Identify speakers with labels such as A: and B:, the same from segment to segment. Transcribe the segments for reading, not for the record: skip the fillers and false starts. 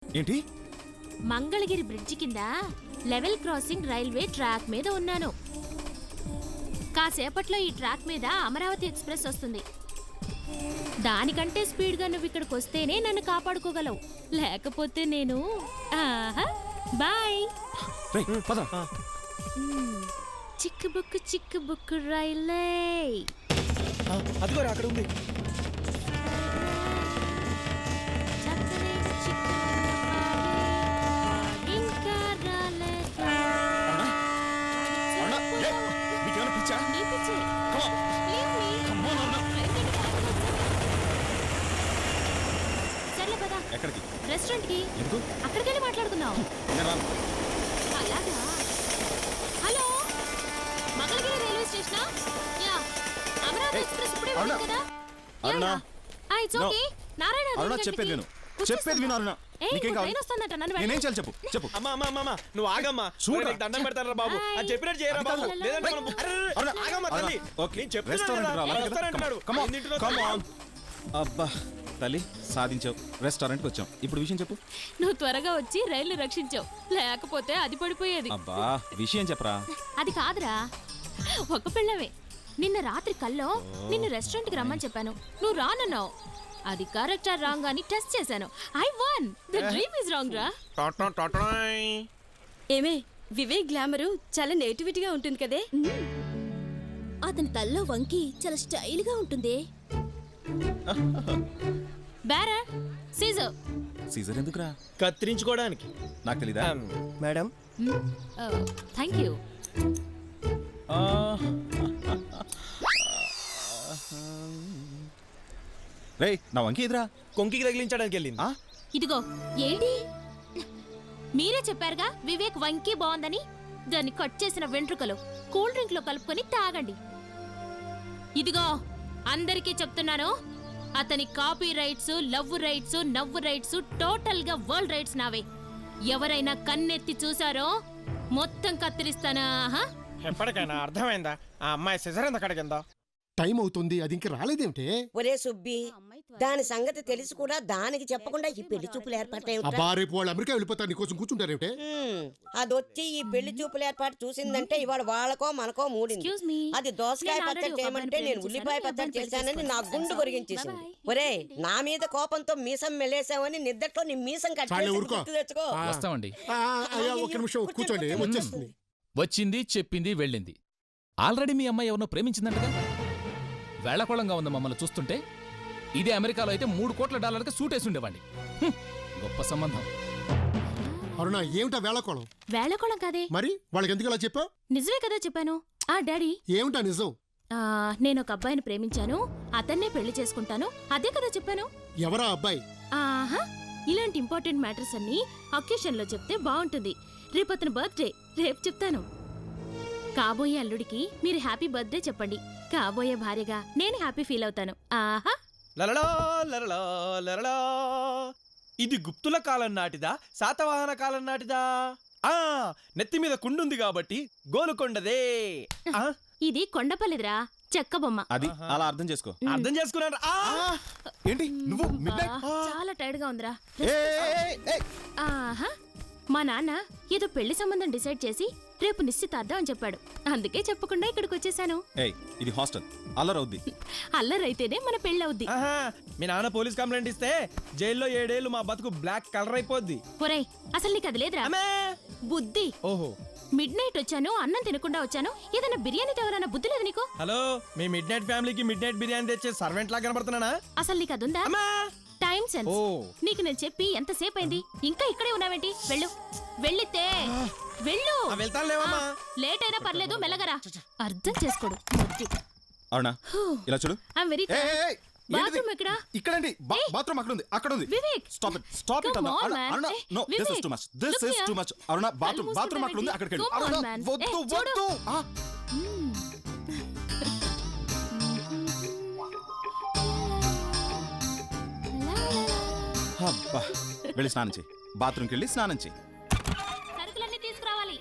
A: ఏంటి?
B: మంగళగిరి బ్రిడ్జి కింద level crossing railway track మీద ఉన్నాను. కాసేపట్లో ఈ ట్రాక్ మీద అమరావతి ఎక్స్ప్రెస్ వస్తుంది. దానికంటే స్పీడ్గా నువ్వు ఇక్కడికి వస్తేనే నన్ను కాపాడుకోగలవు, లేకపోతే నేను బాయ్. చిక్కు బుక్కు రైలే
C: అదిగోరా అక్కడ ఉంది.
A: ఎక్కడికి?
B: రెస్టారెంట్ కి.
A: ఎందుకు?
B: అక్కడికెళ్ళి మాట్లాడుకుందాం. అలాగా? Hello, Mangalagiri railway station. Yeah, Amaravati express ఇప్పుడే వెళ్ళింది కదా.
A: Aruna,
B: it's okay. నారాయణ
A: అరుణా చెప్పేది విను. చెప్పేది విను అరుణా. నీకేం కావాలి? నేనేం చేయాలి చెప్పు. చెప్పు.
C: అమ్మా నువ్వు ఆగమ్మా. చూడు దండం పెడతారా బాబు. అది చెప్పినట్టు చేయరా బాబు. లేదంటే మనం ఆగమ్మా తల్లి.
A: ఓకే, రెస్టారెంట్ రా. Come on. అబ్బా తల్లి, సాధించావు. రెస్టారెంట్కి వచ్చాం. ఇప్పుడు విషయం చెప్పు.
B: నువ్వు త్వరగా వచ్చి రైలు రక్షించావు, లేకపోతే అది పడిపోయేది.
A: అబ్బా విషయం చెప్పరా.
B: అది కాదురా, ఒక పిల్లవే. నిన్న రాత్రి కల్లో నిన్ను రెస్టారెంట్కి రమ్మని చెప్పాను, నువ్వు రానన్నావు. అది కరెక్టా రాంగ్ అని టెస్ట్ చేశాను. I won. The dream is wrong రా.
D: ఏమే, వివేక్ గ్లామరు చాలా నేటివిటీగా ఉంటుంది కదే.
B: అతని తల్లో వంకి చాలా స్టైల్ గా ఉంటుంది. Bearer, Caesar.
A: సీజర్ ఎందుకురా?
C: కత్తిరించుకోవడానికి.
A: నాకు తెలీదా
C: మేడం?
B: Thank you.
A: రేయ్, నా వంకి ఎదురా.
C: కొంకికి తగిలించడానికి వెళ్ళింది.
B: ఇదిగో ఏంటి, మీరే చెప్పారుగా వివేక్ వంకి బాగుందని. దాన్ని కట్ చేసిన వెంట్రుకలు కూల్ డ్రింక్ లో కలుపుకొని తాగండి. ఇదిగో అందరికీ చెప్తున్నాను, అతని కాపీ రైట్స్, లవ్ రైట్స్, నవ్వు రైట్స్, టోటల్ గా వరల్డ్ రైట్స్ నావే. ఎవరైనా కన్నెత్తి చూసారో మొత్తం కత్తిరిస్తానా?
C: ఎప్పటికైనా అర్థమైందా? ఆ అమ్మాయి సిజర్ ఎంత కడిగిందా?
E: టైం అవుతుంది, అది ఇంక రాలేదేమిటే?
F: ఒరే సుబ్బి, దాని సంగతి తెలిసి కూడా దానికి చెప్పకుండా ఈ పెళ్లి చూపులు ఏర్పాటు.
E: అబ్బా, రేపు వాళ్ళు అమెరికా వెళ్ళిపోతారు, నీకోసం కూర్చుంటారేమిటే?
F: అదొచ్చి ఈ పెళ్లి చూపులు ఏర్పాటు చూసిందంటే ఇవాళ వాళ్ళకో మనకో మూడింది. అది దోసకాయ పచ్చడి చేయమంటే నేను ఉల్లిపాయ పచ్చడి చేశానని నా గుండు కొరిగించేసింది. ఒరే, నా మీద కోపంతో మీసం మెలేసావని నిద్దట్లో నీ మీసం కట్టి తెచ్చుకో.
G: వస్తామండి.
E: ఒక నిమిషం కూర్చోండి, వచ్చేస్తుంది.
G: వచ్చింది, చెప్పింది, వెళ్ళింది. ఆల్రెడీ మీ అమ్మాయి ఎవరినో ప్రేమించిందంటగా. వేళకోళంగా ఉంది మమ్మల్ని చూస్తుంటే. ఇదే అమెరికాలో అయితే $3 కోట్ల సూట్ వేసి ఉండేవాడి. గొప్ప సంబంధం.
E: అరుణ, ఏమిటా వేళకోళం?
B: వేళకోళం కాదే.
E: మరి వాళ్ళకి ఎందుకు అలా చెప్పావు?
B: నిజమే కదా చెప్పాను. డాడీ,
E: ఏమిటా నిజం?
B: నేను ఒక అబ్బాయిని ప్రేమించాను, అతన్నే పెళ్లి చేసుకుంటాను, అదే కదా చెప్పాను.
E: ఎవరా అబ్బాయి?
B: ఆహా, ఇలాంటి ఇంపార్టెంట్ మ్యాటర్స్ అన్ని అకేషన్ లో చెప్తే బాగుంటుంది. రేపు అతని బర్త్డే, రేపు చెప్తాను. కాబోయే అల్లుడికి మీరు హ్యాపీ బర్త్డే చెప్పండి. కాబోయే భార్యగా నేను హ్యాపీ ఫీల్ అవుతాను. ఆహా.
C: లలలా లలలా లలలా. ఇది గుప్తుల కాలం నాటిదా, శాతవాహన కాలం నాటిదా? నెత్తి మీద కుండుంది కాబట్టి గోలుకొండదే.
B: ఇది కొండపల్లిదిరా, చెక్క బొమ్మ.
A: అది అలా అర్థం చేసుకో.
C: అర్థం చేసుకున్నాను.
A: ఏంటి నువ్వు?
B: చాలా టైర్డ్ గా ఉందిరా. ఆహా, మా నాన్న ఏదో పెళ్లి సంబంధం డిసైడ్ చేసి రేపు నిశ్చితార్థం అని చెప్పాడు. అందుకే చెప్పకుండా ఇక్కడికి వచ్చేసాను.
A: ఇది హాస్టల్, అల్లరవుద్ది.
B: అల్లరైతేనే మన పెళ్లి అవుద్ది.
C: మీ నాన్న పోలీస్ కంప్లైంట్ ఇస్తే జైల్లో 7 ఏళ్ళు మా బతుకు బ్లాక్ కలర్ అయిపోద్ది.
B: ఒరేయ్, అసలు నీకు అది లేదురా బుద్ధి.
C: ఓహో,
B: మిడ్ నైట్ వచ్చాను, అన్నం తినకుండా వచ్చాను. ఏదైనా బిర్యానీ తేవాలన్న బుద్ధి లేదు నీకు?
C: హలో, మీ మిడ్ నైట్ ఫ్యామిలీకి మిడ్ నైట్ బిర్యానీ తెచ్చే సర్వెంట్ లా కనబడుతున్నానా?
B: అసలు నీకు అదుందా? Time sense. నీకు నేను చెప్పి ఎంతసేపు అయింది, ఇంకా ఇక్కడే ఉన్నావేంటి? వెళ్ళు, వెళ్ళితే వెళ్ళు. లేట్ అయినా పర్లేదు, మెల్లగరా. అర్థం చేసుకోడు.
A: అవునా? ఇలా చూడు.
B: బాత్రూమ్ ఎక్కడ?
A: ఇక్కడండి. బాత్రూమ్ అక్కడ ఉంది, అక్కడ ఉంది.
B: Vivek,
A: stop it, stop it. No, this is too much, this is too much. Aruna, bathroom అక్కడ ఉంది, అక్కడికి వెళ్ళు. అరుణ, వద్దు వద్దు. అబ్బా, వెళ్ళి స్నానం చేయి. బాత్రూమ్కి వెళ్ళి స్నానం చేయి.
B: సరుకులన్నీ తీసుకురావాలి.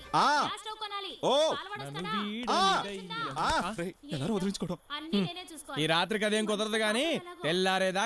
A: ఎలా వదిలించుకోవడం?
C: ఈ రాత్రికి అదేం కుదరదు గానీ తెల్లారేదా